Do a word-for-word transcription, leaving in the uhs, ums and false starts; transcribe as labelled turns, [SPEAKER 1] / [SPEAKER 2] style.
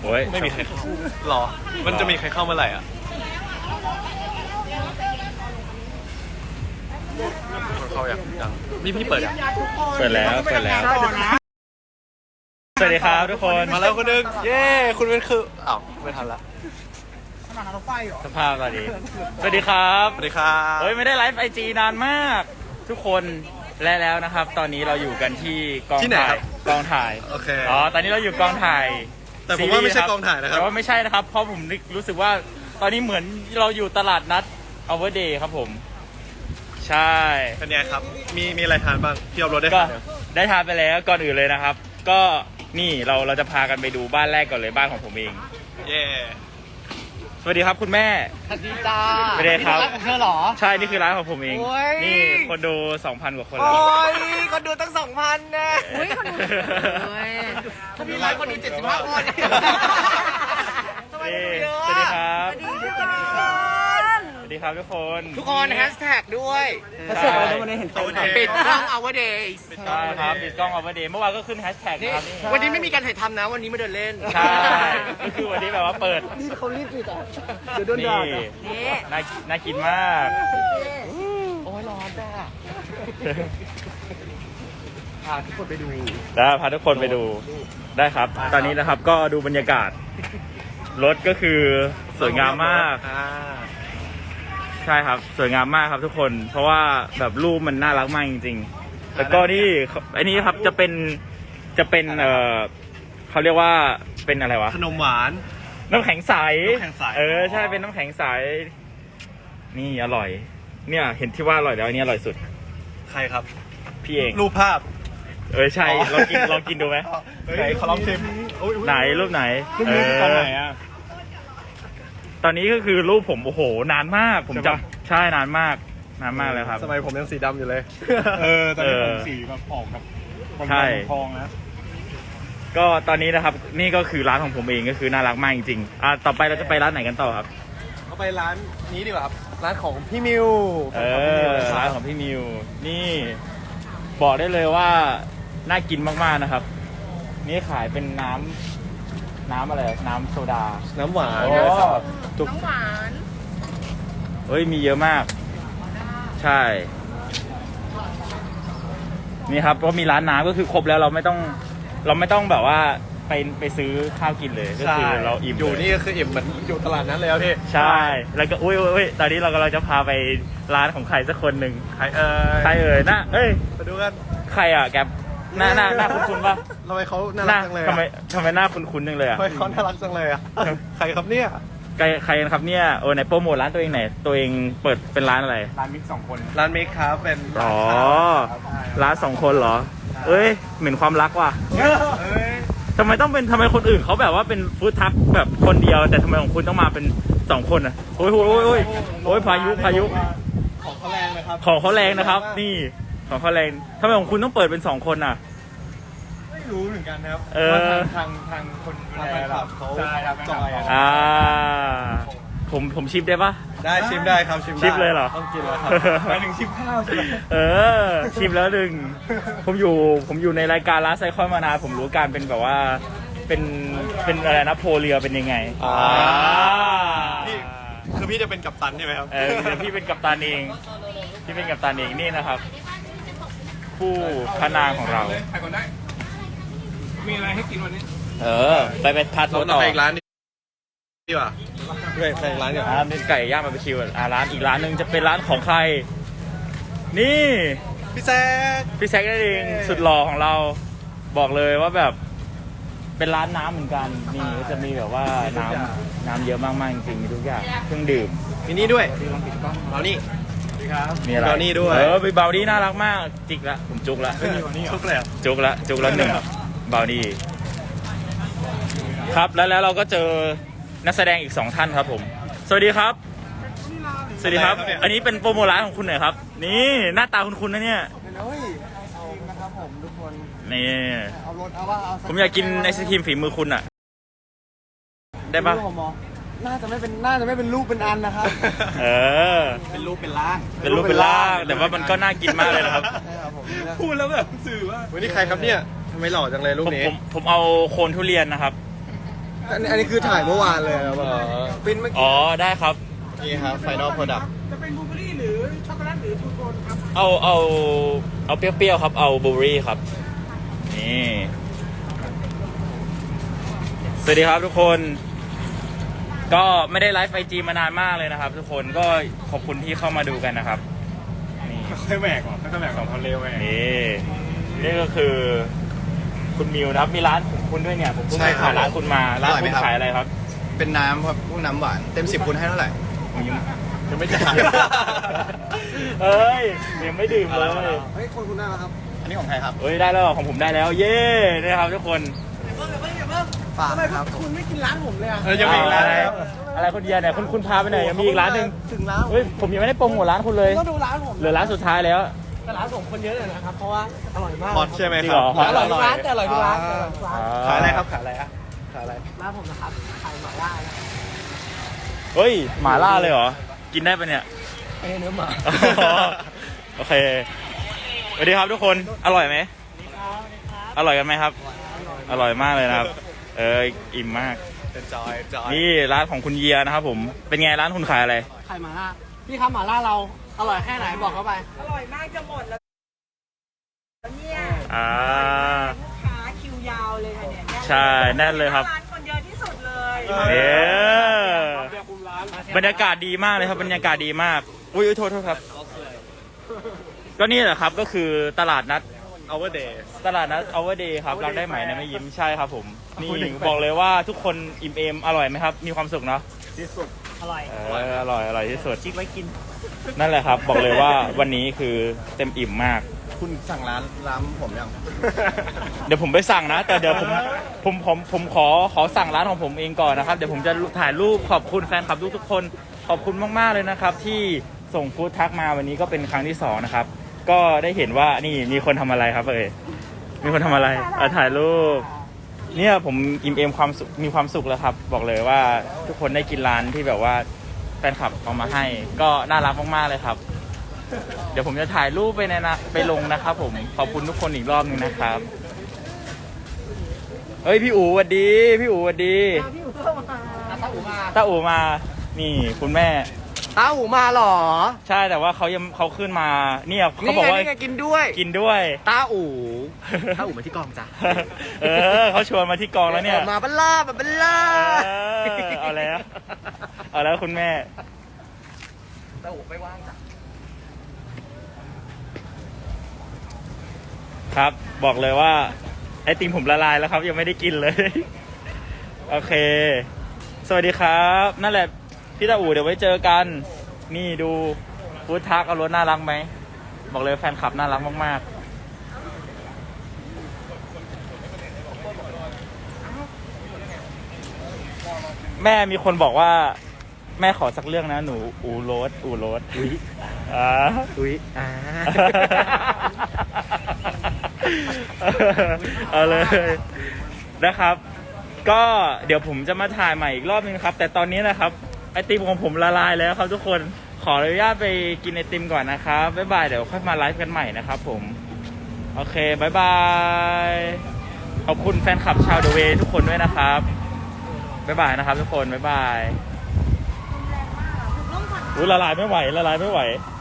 [SPEAKER 1] โอ้ย
[SPEAKER 2] ไม่มีใครเข้าหรอมันจะมีใครเข้าเมื่อไหร่อ่ะคนเข้าอย่างยังนี่พี่เปิดอ่ะ
[SPEAKER 1] เปิดแล้วเปิดแล้วสวัสดีครับทุกคน
[SPEAKER 2] มาแล้วคนนึงเย้คุณเป็นคืออ้าวไม่ทันละ
[SPEAKER 1] สภาพตอนนี้สวัสดีครับ
[SPEAKER 2] สวัสดีครับ
[SPEAKER 1] เฮ้ยไม่ได้ไลฟ์ไอจีนานมาก ทุกคนและแล้วนะครับ ตอนนี้เราอยู่กันที่กองถ่ายกองถ่าย
[SPEAKER 2] โอเค
[SPEAKER 1] อ๋อตอนนี้เราอยู่กองถ่าย
[SPEAKER 2] แต่ผมว่าไม่ใช่กองถ่ายนะครับ
[SPEAKER 1] แต่ว่าไม่ใช่นะครับ เพราะผมรู้สึกว่าตอนนี้เหมือนเราอยู่ตลาดนัด Overday ครับผม ใช่
[SPEAKER 2] เป็นไงครับมีมีอะไรทานบ้างพี่เอารถได้
[SPEAKER 1] ก็
[SPEAKER 2] ทานยัง
[SPEAKER 1] ได้ทานไปแล้วก่อนอื่นเลยนะครับ ก็นี่เราเราจะพากันไปดูบ้านแรกก่อนเลยบ้านของผมเอง
[SPEAKER 2] เย้
[SPEAKER 1] สวัสดีครับคุณแม่
[SPEAKER 3] สวัสดีจ้า
[SPEAKER 1] ไม่ได้ครับ
[SPEAKER 3] ร้านของเธอเหรอ
[SPEAKER 1] ใช่นี่คือร้านของผมเอง
[SPEAKER 3] โอ้ย
[SPEAKER 1] นี่คนดู สองพัน กว่าคนแล้ว
[SPEAKER 3] โอ้ยคนดูตั้งสองพันนะโอ้ยคนดู
[SPEAKER 1] ถ้ามี
[SPEAKER 3] มี
[SPEAKER 1] ไล
[SPEAKER 3] ไล
[SPEAKER 1] ฟ์
[SPEAKER 3] ฟ์
[SPEAKER 1] ค
[SPEAKER 3] คน น
[SPEAKER 1] ดู
[SPEAKER 3] ดู
[SPEAKER 1] เจ็
[SPEAKER 3] เจ็
[SPEAKER 1] ด
[SPEAKER 3] ด
[SPEAKER 1] สิ
[SPEAKER 3] สิ
[SPEAKER 1] บบ ห้า
[SPEAKER 3] ห้า
[SPEAKER 1] ค
[SPEAKER 3] คน น
[SPEAKER 1] สวัสดีครับ
[SPEAKER 3] สวัสดีครับ
[SPEAKER 1] สวัสดีครับทุกคน
[SPEAKER 3] ทุกคนแฮชแท็กด้วย
[SPEAKER 1] ใช่
[SPEAKER 3] ปิดกล้อง our days
[SPEAKER 1] ใช่ครับปิดกล้องเอาไว้เดย์เมื่อวานก็ขึ้นแฮชแท็ก
[SPEAKER 3] นี่
[SPEAKER 1] นะครับนี่
[SPEAKER 3] วันนี้ไม่มีการถ่ายทำนะ วันนี้มาเดินเล่น
[SPEAKER 1] ใช่ก็คือวันนี้แบบว่าเปิด
[SPEAKER 3] นี่เขารีบปิดอ่ะ
[SPEAKER 1] เดี๋ยวโดนด่านี่น่าน่ากินมาก
[SPEAKER 3] โอ้ยร้อนจ้าพาทุกคนไปดู
[SPEAKER 1] แล้วพาทุกคนไปดูได้ครับ ตอนนี้นะครับก็ดูบรรยากาศรถก็คือสวยงามมาก
[SPEAKER 2] อ่า
[SPEAKER 1] ใช่ครับสวยงามมากครับทุกคน เพราะว่าแบบรูปมันน่ารักมากจริงๆแล้วก็นี่อันนี้ครับจะเป็นจะเป็นเออเขาเรียกว่าเป็นอะไรวะ
[SPEAKER 2] ขนมหวาน
[SPEAKER 1] น้ำแข็งใส
[SPEAKER 2] น้ำแข็งใส
[SPEAKER 1] เออใช่เป็นน้ำแข็งใสนี่อร่อย เนี่ยเห็นที่ว่าอร่อยแล้วอันนี้อร่อยสุด
[SPEAKER 2] ใครครับ
[SPEAKER 1] พี่เอง
[SPEAKER 2] รูปภาพ
[SPEAKER 1] เออใช่ลองกินลองกินดูไหม
[SPEAKER 2] ไหนขอลองชิมอุ๊ยอุ๊ย
[SPEAKER 1] ไหนรูปไหน
[SPEAKER 2] รูปนี้คือตอนไหนอ่ะ
[SPEAKER 1] ตอนนี้ก็คือรูปผมโอ้โหนานมากผม
[SPEAKER 2] ใช่
[SPEAKER 1] จ
[SPEAKER 2] ปะ
[SPEAKER 1] ำใช่นานมากนานมากเลยครับ
[SPEAKER 2] สมัยผมยังสีดำอยู่เลย
[SPEAKER 4] เออตอนนี้
[SPEAKER 1] เอ
[SPEAKER 4] ผ
[SPEAKER 1] อ
[SPEAKER 4] มสีแบบออกกับ
[SPEAKER 1] ใช่
[SPEAKER 4] ทองนะ
[SPEAKER 1] ก็ตอนนี้นะครับนี่ก็คือร้านของผมเองก็คือน่ารักมากจริงๆอ่ะต่อไปเราจะไปร้านไหนกันต่อครับ
[SPEAKER 2] เขาไปร้านนี้ดีกว่าครับ ร้านของพี่มิว
[SPEAKER 1] เออร้านของพี่มิวนี่บอกได้เลยว่าน่ากินมากๆนะครับ นี่ขายเป็นน้ำน้ำอะไรน้ำโซดา
[SPEAKER 2] น้ำหวาน
[SPEAKER 1] โอ้
[SPEAKER 2] จุก
[SPEAKER 1] เฮ้ยมีเยอะมาก ใช่นี่ครับก็มีร้านน้ำก็คือครบแล้วเราไม่ต้อง เราไม่ต้องแบบว่าไปไปซื้อข้าวกินเลยก็
[SPEAKER 2] ใช่
[SPEAKER 1] คือเราอิ่ม
[SPEAKER 2] อยู่
[SPEAKER 1] เลย
[SPEAKER 2] นี่ก็คืออิ่มเหมือนอยู่ตลาดนั้นเลยครับพี่
[SPEAKER 1] ใช่แล้วก็อุ้ยอุ้ยอุ้ยตอนนี้เรากำลังจะพาไปร้านของใครสักคนหนึ่ง
[SPEAKER 2] ใครเอ่ย
[SPEAKER 1] ใครเอ่ยหน้าเอ้ย
[SPEAKER 2] ไปดูกัน
[SPEAKER 1] ใครอ่ะแกปหน้าหน้าหน้าคุ้นๆป่ะ
[SPEAKER 2] ทำไมเขาน่า
[SPEAKER 1] ห
[SPEAKER 2] รั
[SPEAKER 1] น้าก
[SPEAKER 2] จังเลย
[SPEAKER 1] ทำไม
[SPEAKER 2] อะ
[SPEAKER 1] ทำไมหน้าคุ้นๆจังเลยอ่ะ
[SPEAKER 2] ทำไมเขาน่ารักจังเลยอ่ะ ใครครับเนี่ย
[SPEAKER 1] ใครใครกันครับเนี่ยโอ้ไหนโปรโมทร้านตัวเองไหนอยตัวเองเปิดเป็นร้านอะไร
[SPEAKER 4] ร้านมิกสองคน
[SPEAKER 2] ร้านเมคครับเป็น
[SPEAKER 1] อ๋อ
[SPEAKER 2] ครับ
[SPEAKER 1] ร้านสองคนเหรอ เอ้ยเหมือนความรักว่ะ
[SPEAKER 2] เอ้ย
[SPEAKER 1] ทำไมต้องเป็นทำไมคนอื่นเขาแบบว่าเป็นฟู้ดทัคแบบคนเดียว แต่ทำไมของคุณต้องมาเป็นสองคนอ่ะโอ้ยโอ้ยโอ้ยโอ้ยโอ้ยพายุพายุ
[SPEAKER 2] ของเขาแรงนะครับ
[SPEAKER 1] ของเขาแรงนะครับ นี่ของเขาแรงทำไมของคุณต้องเปิดเป็นสองคนอ่ะ
[SPEAKER 2] ไม่รู้เหมือนกันนะครับ
[SPEAKER 1] เออ
[SPEAKER 4] ว่าทางทางทางคนดู
[SPEAKER 2] ทาง
[SPEAKER 4] แล
[SPEAKER 2] แฟนคลับเขา
[SPEAKER 4] ใช่ทางแฟนค
[SPEAKER 2] จ
[SPEAKER 4] ลับ
[SPEAKER 2] อยอะ
[SPEAKER 1] อ่า ผมผมชิปได้ปะ
[SPEAKER 2] ได้ชิมได้ครับชิมได้
[SPEAKER 1] ชิมเลยเหรอ
[SPEAKER 2] ต้องกินแล้วครับ
[SPEAKER 4] หมายถึงชิมข้าวใช่ไหม
[SPEAKER 1] เออ ชิมแล้วหนึ่งผมอยู่ผมอยู่ในรายการร้านไซคอนมานานผมรู้การเป็นแบบว่าเป็นเป็นอะไรนะโพเรือเป็นยังไง
[SPEAKER 2] อ่า
[SPEAKER 1] อ่า
[SPEAKER 2] พี่คือพี่จะเป็นกัปตันใช่ไหมครับ
[SPEAKER 1] เออเดี๋ยวพี่เป็นกัปตันเองพี่เป็นกัปตันเองนี่นะครับ ผู้พระนางของเรา
[SPEAKER 4] ไปก่อนได้ มีอะไรให้กินวันนี้
[SPEAKER 1] เออ ไปไปพาทัว
[SPEAKER 2] เรา
[SPEAKER 1] ร์
[SPEAKER 2] ต้อ
[SPEAKER 1] ต่
[SPEAKER 2] ง
[SPEAKER 1] อ
[SPEAKER 2] ไปอีกร้านนึงดีกว่าไปไปอีกร้านเดียว
[SPEAKER 1] อ่าเป็นไก่ย่างบาร์บีคิวอ่าร้านอีกร้านหนึ่งจะเป็นร้านของใคร นี่
[SPEAKER 2] พี่แซก
[SPEAKER 1] พี่แซคนั่นเองสุดหล่อของเราบอกเลยว่าแบบเป็นร้านน้ำเหมือนกันนี่ก็จะมีแบบว่าน้ำน้ำเยอะมากๆจริงๆมีทุกอย่างเครื่องดื่ม
[SPEAKER 2] มีนี่ด้วยเอานี่
[SPEAKER 1] มีอะไร
[SPEAKER 2] เบานี่ด้วย
[SPEAKER 1] เออเบานี่น่ารักมากจิกละผมจุกละ
[SPEAKER 2] ทุกเลยอะ
[SPEAKER 1] จุกละจุกละหนึ่งเบานี่ครับแล้วแล้วเราก็เจอนักแสดงอีกสองท่านครับผม สวัสดีครับ สวัสดีครับ อันนี้เป็นโปรโมทร้านของคุณหน่อยครับ นี่หน้าตาคุณคุณนะเนี่ย
[SPEAKER 3] เฮ้ยเอานะครับผมทุกคน
[SPEAKER 1] นี่
[SPEAKER 3] เอารถเอาว่าเอา
[SPEAKER 1] ผมอยากกินไอศครีมฝีมือคุณอะได้ปะ
[SPEAKER 3] น่าจะไม่เป็นน่าจะไม่เป็นรูปเป็นอันนะครับ
[SPEAKER 1] เออ
[SPEAKER 2] เป็นรูปเป็นร่าง
[SPEAKER 1] เป็นรูปเป็นร่าง แต่ว่ามันก็น่ากินมากเลยนะครับ
[SPEAKER 3] ใช่ครับผม
[SPEAKER 4] พูดแล้วแบบสื่อว่า
[SPEAKER 2] วันนี้ใครครับเนี่ยทำไมหล่อจังเลยรูป
[SPEAKER 1] ผม
[SPEAKER 2] นี้
[SPEAKER 1] ผมผมเอาโคนทุเรียนนะครับ
[SPEAKER 3] อันนี้อันนี้คือถ่ายเมื่อวานเลยครับแบบปริ้นเมื่อกี้
[SPEAKER 1] อ๋อได้ครับ
[SPEAKER 2] นี่ครับ Final Product
[SPEAKER 5] จะเป็นบลูเบอร์รี่หรือช็อกโกแลตหรือทูโทนครับ
[SPEAKER 1] เอาเอาเอาเปรี้ยวๆครับเอาบลูเบอร์รี่ครับนี่สวัสดีครับทุกคนก็ไม่ได้ไลฟ์ไอจีมานานมากเลยนะครับ ทุกคนก็ขอบคุณที่เข้ามาดูกันนะครับนี่
[SPEAKER 4] ค่อยแหวกออกค่อยแหวกสองพันเร็วแหวก
[SPEAKER 1] นี่นี่ก็คือคุณมิวนะครับมีร้านของคุณด้วยเนี่ยผมเพิ่ง
[SPEAKER 2] ใช่
[SPEAKER 1] ไป
[SPEAKER 2] ครับ
[SPEAKER 1] ผ่านร้านคุณมาร้าน
[SPEAKER 2] อร่อยไห
[SPEAKER 1] คุ
[SPEAKER 2] ม
[SPEAKER 1] ณ
[SPEAKER 2] ครับ
[SPEAKER 1] ขายอะไรครับ
[SPEAKER 2] เป็นน้ำครับพวกน้ำหวาน เต็มสิบคุณให้เท่าไหร่ ยังไม่จ่าย
[SPEAKER 1] เอ้ยยังไม่ดื่มเลย
[SPEAKER 3] เฮ้ยคนคุณได้แล้วครับ
[SPEAKER 2] อันนี้ของใครครับ
[SPEAKER 1] เอ้ยได้แล้วของผมได้แล้ว เย้นะครับทุกคน
[SPEAKER 3] ฝาก
[SPEAKER 5] ทำไม
[SPEAKER 3] นะครับ
[SPEAKER 5] คุณไม่กินร้านผมเลยอ่ะ
[SPEAKER 4] เออยังมีอีกร้าน
[SPEAKER 1] อะไร
[SPEAKER 4] แล้ว
[SPEAKER 1] อะไรคนเดียวเนี่ยคุณคุณพาไปไหนยังมีอีกร้านหนึ่ง
[SPEAKER 3] ถึงแล้ว
[SPEAKER 1] เฮ้ยผมยังไม่ได้โปรโมทร้านคุณเลย
[SPEAKER 5] ต้องดูร้านผม
[SPEAKER 1] เหลือร้านสุดท้ายแล้ว
[SPEAKER 5] แต่ร้านผมคนเยอะเลยนะครับ เพราะว่าอร่อยมาก
[SPEAKER 2] ฮอตใช่ไหม
[SPEAKER 1] จริ
[SPEAKER 2] ค
[SPEAKER 1] ง
[SPEAKER 2] รั
[SPEAKER 1] เห
[SPEAKER 2] บ
[SPEAKER 1] รอ
[SPEAKER 5] อร่อยทุกร้านแต่อร่อยทุกร้านแต่อร่อยทุกร้าน
[SPEAKER 2] ขายอะไรครับ ขายอะไรอะขายอะไร
[SPEAKER 5] ร้านผมนะครับขายหม่าล่านะ
[SPEAKER 1] เฮ้ยหมาล่าเลยเหรอกินได้ปะเนี่ย
[SPEAKER 5] ไอ้เนื้อหมา
[SPEAKER 1] โอเคสวัสดีครับทุกคนอร่อยไหมอร่อยกันไหมครับ อร่อยมากเลยนะครับ เอออิ่มมาก
[SPEAKER 2] จอยจอย
[SPEAKER 1] นี่ร้านของคุณเยียนะครับผมเป็นไงร้านคุณขายอะไร
[SPEAKER 5] ขายหม่าล่าพี่ครับหม่าล่าเราอร่อยแค่ไหนบอกเข้าไป
[SPEAKER 6] อร่อยมากจะหมดแล้วเนี่ย
[SPEAKER 1] อ่า
[SPEAKER 6] ลูกค้าคิวยาวเลยค่ะเนี่ย
[SPEAKER 1] ใช่แน่นเลยครับ
[SPEAKER 6] ร้านคนเยอะที่สุดเลย
[SPEAKER 1] เออบรรยากาศดีมากเลยครับบรรยากาศดีมากอุ้ยอุ๊ยโทษโทษครับ ก็นี่แหละครับก็คือตลาดนัด
[SPEAKER 2] Our Day
[SPEAKER 1] ตลาดนัด Our Day ครับรักได้ไหมนะไม่ยิ้มใช่ครับผมนี่บอกเลยว่าทุกคนอิ่มเอมอร่อยไหมครับ มีความสุขเนาะ
[SPEAKER 5] อร่อย
[SPEAKER 1] เอออร่อยอร่อยที่สุดคิดไว้กิน นั่นแหละครับ บอกเลยว่าวันนี้คือเต็มอิ่มมาก
[SPEAKER 2] คุณสั่งร้านร้านผมยัง
[SPEAKER 1] เดี๋ยวผมไปสั่งนะ แต่เดี๋ยวผมผมผมผมขอขอสั่งร้านของผมเองก่อนนะครับเดี๋ยวผมจะถ่ายรูปขอบคุณแฟนคลับทุกทุกๆคนขอบคุณมากๆเลยนะครับ ที่ส่งฟู้ดทักมาวันนี้ก็เป็นครั้งที่สองนะครับ ก็ได้เห็นว่านี่มีคนทำอะไรครับเอ่ยมีคนทำอะไรอ่ะถ่ายรูปเนี่ยผมอิ่มเอมความสุขมีความสุขแล้วครับ บอกเลยว่าทุกคนได้กินร้านที่แบบว่าแฟนคลับเอามาให้ ก็น่ารักมากๆเลยครับ เดี๋ยวผมจะถ่ายรูปไปในนะไปลงนะครับผมขอบคุณทุกคนอีกรอบหนึงนะครับเฮ้ยพี่อู๋สวัสดีพี่อู๋สวัสดี
[SPEAKER 5] พี่อู๋เข้ามาตาอู๋มา
[SPEAKER 1] ตาอู๋มานี่คุณแม่
[SPEAKER 3] ตาอูมาเหรอ
[SPEAKER 1] ใช่แต่ว่าเขายังเขาขึ้นมาเนี่ยเขาบอกว่า
[SPEAKER 3] นี่ไงกินด้วย
[SPEAKER 1] กินด้วย
[SPEAKER 3] ตาอูตาอูมาที่กองจ้ะ
[SPEAKER 1] เออเขาชวนมาที่กองแล้วเนี่ย
[SPEAKER 3] มาบัลล่ามาบัลล่า
[SPEAKER 1] เออเอาแล้วเอาแล้วคุณแม่
[SPEAKER 3] ตาอูไม่ว่างจ้ะ
[SPEAKER 1] ครับบอกเลยว่าไอติมผมละลายแล้วครับ ยังไม่ได้กินเลย โอเค สวัสดีครับ นั่นแหละพี่ตาอู๋เดี๋ยวไว้เจอกัน นี่ดูฟู้ดทักเอารถน่ารักไหมบอกเลยแฟนคลับน่ารักมากๆแม่มีคนบอกว่า แม่ขอสักเรื่องนะหนูอูโรสอูโรสอุ้ยอ่า
[SPEAKER 3] อุ้ยอ่า
[SPEAKER 1] เอาเลยนะครับ ก็เดี๋ยวผมจะมาถ่ายใหม่อีกรอบนึงครับ แต่ตอนนี้นะครับไอติมของผมละลายแล้วครับทุกคนขออนุญาตไปกินไอติมก่อนนะครับบ๊ายบายเดี๋ยวค่อยมาไลฟ์กันใหม่นะครับผมโอเคบ๊ายบายขอบคุณแฟนคลับชาวเดอะเวย์ทุกคนด้วยนะครับบ๊ายบายนะครับทุกคนบ๊ายบายอุ้ยละลายไม่ไหวละลายไม่ไหว